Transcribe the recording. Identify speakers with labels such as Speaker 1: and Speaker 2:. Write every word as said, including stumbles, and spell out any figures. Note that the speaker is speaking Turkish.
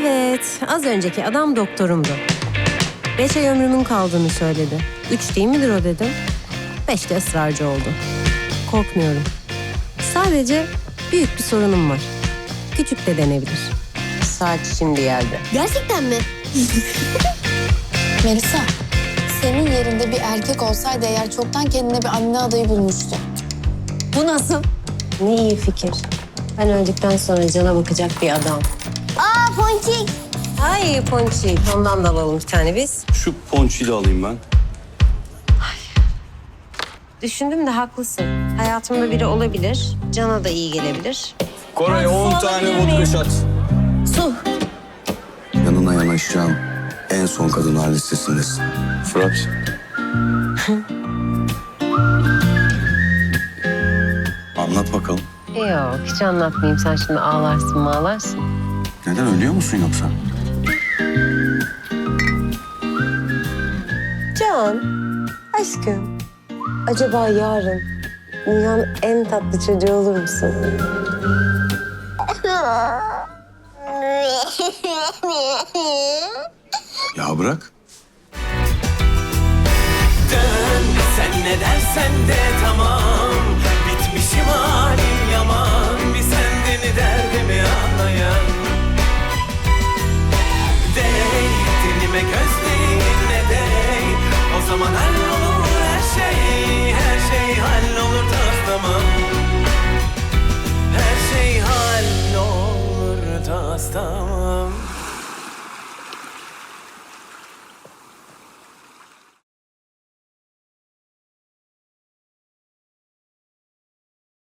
Speaker 1: Evet, az önceki adam doktorumdu. Beş ay ömrümün kaldığını söyledi. Üç değil midir o dedim. Beş de ısrarcı oldu. Korkmuyorum. Sadece büyük bir sorunum var. Küçük de denebilir. Saat şimdi geldi.
Speaker 2: Gerçekten mi?
Speaker 3: Melisa, senin yerinde bir erkek olsaydı eğer çoktan kendine bir anne adayı bulmuştu.
Speaker 2: Bu nasıl?
Speaker 1: Ne iyi fikir. Ben öldükten sonra cana bakacak bir adam.
Speaker 2: Aa Ponçik.
Speaker 1: Ay Ponçik, ondan da alalım bir tane biz.
Speaker 4: Şu ponçiyi de alayım ben.
Speaker 1: Düşündüm de haklısın. Hayatımda biri olabilir, cana da iyi gelebilir.
Speaker 4: Koray on tane vodka şat.
Speaker 1: Su.
Speaker 5: Yanına yanaşacağım en son kadınlar listesindesin.
Speaker 4: Fırat.
Speaker 5: Anlat bakalım.
Speaker 1: Yok, hiç anlatmayayım. Sen şimdi ağlarsın mağlarsın.
Speaker 5: Neden, ölüyor musun yoksa?
Speaker 1: Can, aşkım. Acaba yarın dünyanın en tatlı çocuğu olur musun?
Speaker 5: Ya bırak.
Speaker 6: Dön, sen ne dersen de tamam.